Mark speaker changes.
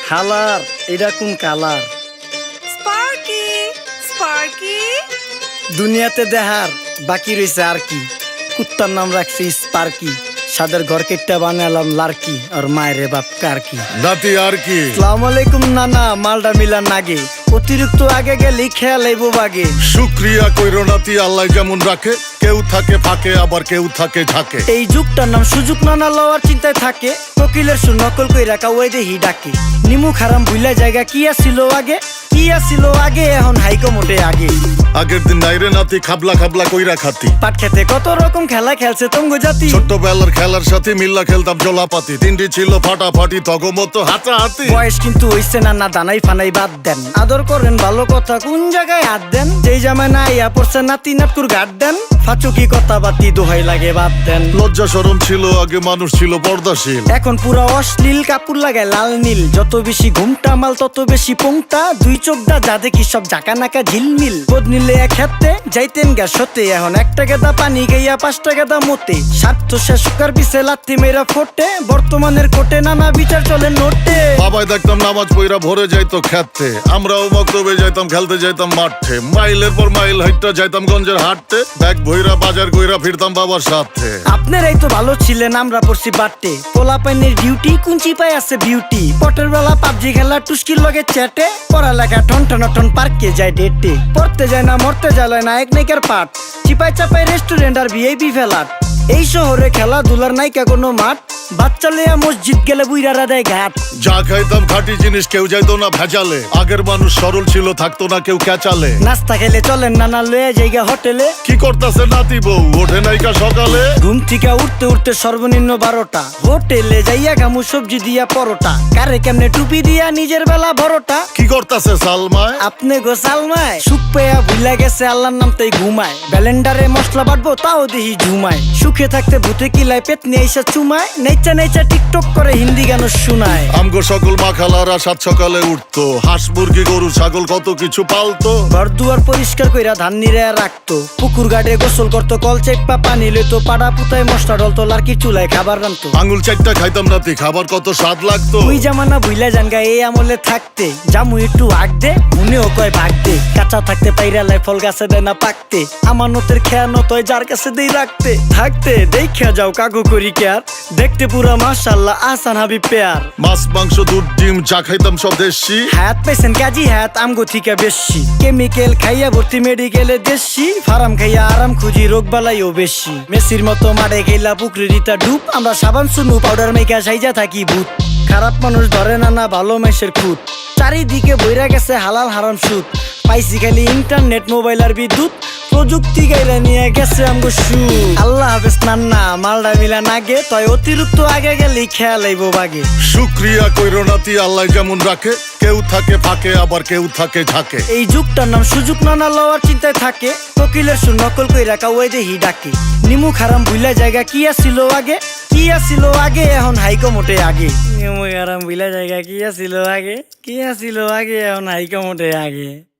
Speaker 1: হালার এটা কোন কালার?
Speaker 2: স্পার্কি স্পার্কি
Speaker 1: দুনিয়াতে দেহার বাকি রয়েছে আর কি। কুত্তার নাম রাখছি স্পার্কি, সাদের ঘর কেটটা বানালাম লার্কি, আর মায়ের বাপ কারকি।
Speaker 3: নাতি আর কি?
Speaker 1: আসসালামু আলাইকুম নানা, মালডা মিলার নাগে, অতিরিক্ত আগে গেলে খেয়াল আইব বাগে।
Speaker 3: শুক্রিয়া কইরো নাতি, আল্লাহ যেমন রাখে, কেউ থাকে ফাঁকে আবার কেউ থাকে ঝাঁকে।
Speaker 1: এই যুগটার নাম সুযোগ নানা লওয়ার চিন্তায় থাকে, কোকিলের সুর নকল কই রাখা ওই দেহি ডাকে। নিমু খারাম ভুলা জায়গা কি আসিল আগে, কি আসিল আগে, এখন হাইকো মোটে আগে।
Speaker 3: আগের দিন নাইরে নাতি খাবলা খাবলা কইরা খাতি,
Speaker 1: পাট খেতে কত রকম খেলা খেলছে তঙ্গ জাতি।
Speaker 3: ছোট্টবেলার খেলার সাথে মিল্লা খেলতাম জলাপাতি, তিনটি ছিল ফাটাফাটি তগমতো হাতাহাতি।
Speaker 1: বয়স কিন্তু হইছে না, না দানাই ফানাই বাদ দেন, আদর করেন ভালো কথা কোন জায়গায় হাত দেন। যেই জামায় না ইয়া পড়ছে নাতি নাটকুর গাট দেন, ফাচুকি কথা বাতি দোহাই লাগে বাদ দেন।
Speaker 3: লজ্জা শরম ছিল আগে, মানুষ ছিল পর্দাশীল,
Speaker 1: এখন পুরা অশ্লীল কাপড় লাগায় লাল নীল। যত বেশি ঘুমটা মাল তত বেশি পোংটা, দুই চোখটা যা দেখি সব জাকা নাকা ঝিলমিল। বোধ নিলে এক হাতে যাইতেন গ্যাস হতে, এখন একটা গেদা পানি গাইয়া 5টা গেদা মতে। স্বার্থ শেষ কার পিছে লাথি মেয়েরা ফোটে, বর্তমানের কোটে নানা বিচার চলে নোটে।
Speaker 3: বাবাই দেখতাম নামাজ পইরা ভরে যাইতো খেতে, আমরাও মক্তবে যাইতাম খেলতে যাইতাম মাঠে। মাইলের পর মাইল হাইটটা যাইতাম গঞ্জের হাটতে, ব্যাগ ভইরা বাজার কইরা ফিরতাম বাবার সাথে।
Speaker 1: আপনারাই তো ভালো ছিলেন, আমরা পড়ছি বাটে। পোলা পাইনের ডিউটি কুঞ্চি পাই আছে বিউটি, পটের বেলা পাবজি খেলা টুস্কির লগে চ্যাটে। পড়ালেখা ঠন ঠন ঠন পার্কে যায় ডেটে, পড়তে যায় না মরতে যায় নায়ক নায়িকার পাট। চিপাই চাপাই রেস্টুরেন্ট আর ভিআইপি ফেলাট, এই শহরে খেলাধুলার নাইকা কোনো মাঠ। বাচ্চা লেয়া মসজিদ গেলে বুইরারা দেয় ঘাট।
Speaker 3: যা খাইতাম খাঁটি জিনিস, কেউ যাইতো না ভেজালে। আগের মানুষ সরল ছিল, থাকতো না কেউ ক্যাচালে।
Speaker 1: নাস্তা খেলে চলেন নানা লয়ে জায়গা হোটেলে।
Speaker 3: কি করতাছে নাতি বউ, ওঠে নাইকা সকালে।
Speaker 1: ঘুম থেকে উঠতে উঠতে সর্বনিম্ন 12টা, হোটেলে যাইয়া গামু সবজি দিয়া পরোটা। কারে কেমনে টুপি দিয়া নিজের বেলা বড়টা।
Speaker 3: কি করতাছে সালমায়?
Speaker 1: আপনি গোসালমায় সুখ পেয়া ভুলা গেছে আল্লাহর নাম তাই ঘুমায়। ব্যালেন্ডারে মশলা বাটবো তাও দেহি ঝুমায়। সুখে থাকতে ভূতে কিলায় পেট নিয়ে এসে চুমায়। নেচা নেচা টিকটক করে হিন্দি গান শোনায়।
Speaker 3: আমগো সকল মাখালারা সাত সকালে উঠতো, হাঁস মুরগি গরু ছাগল কত কিছু পালতো।
Speaker 1: ঘর দুয়ার পরিষ্কার কইরা ধান নিরে রাখতো, পুকুর গাড়ে গোসল করতো, কল চেপা পানি লইতো। পাড়া পুতায় মশলা ডলতো, লার্কি চুলায় খাবার রান্তো।
Speaker 3: আঙুল চারটা খাইতাম নাতি, খাবার কত স্বাদ লাগতো।
Speaker 1: ওই জামানা ভুইলা জানগা এই আমলে থাকতে, জামু একটু আগ দে মনেও কয় ভাগ দে। কাঁচা থাকতে পাইরালায় ফল গাছে দেয় না পাকতে, আমানতের খেয়ানত হয় যার কাছে দেই রাখতে। থাকতে দেখা যাও কাগু করি কেয়ার, দেখতে পুরা মাশাআল্লাহ আহসান হাবিব পেয়ার।
Speaker 3: মাছ মাংস দুধ ডিম চা খাইতাম সব দেশি,
Speaker 1: হাত পাইছেন কাজী হাত আমগো থিকা বেশি। কেমিক্যাল খাইয়া ভর্তি মেডিকেলে দেশি, ফার্ম খাইয়া আরাম খুঁজি রোগ বালাইও বেশি। মেসির মতো মারে গেলা পুকুরে রিতা ডুব, আমরা সাবান সুনু পাউডার মেকা সাইজা থাকি ভূত। খারাপ মানুষ ধরে না না ভালো মেসের খুঁত, চারিদিকে বইরা গেছে হালাল হারাম সুদ। পাইছি খালি ইন্টারনেট মোবাইল আর বিদ্যুৎ, প্রযুক্তি গাইলা নিয়ে গেছে আমগো সু। আল্লাহ হাফেজ নান্না, মালডা মিলা নাগে, তয় অতিরিক্ত আগে গেলে খেয়াল আইব বাগে।
Speaker 3: শুক্রিয়া কইরো নাতি, আল্লাহ যেমন রাখে, কেউ থাকে ফাঁকে আবার কেউ থাকে ঝাঁকে।
Speaker 1: এই যুগটার নাম সুযোগ নানা লওয়ার চিন্তায় থাকে, কোকিলের সুর নকল কই রাখা ওই দেহি ডাকে। নিমু খারাম ভুলা জায়গা কি আসিল আগে, কি আসিল আগে, এখন হাইকো মোটে আগে। নিমু খারাম ভুলা জায়গা কি আসিল আগে, কি আসিল আগে, এখন হাইকো মোটে আগে।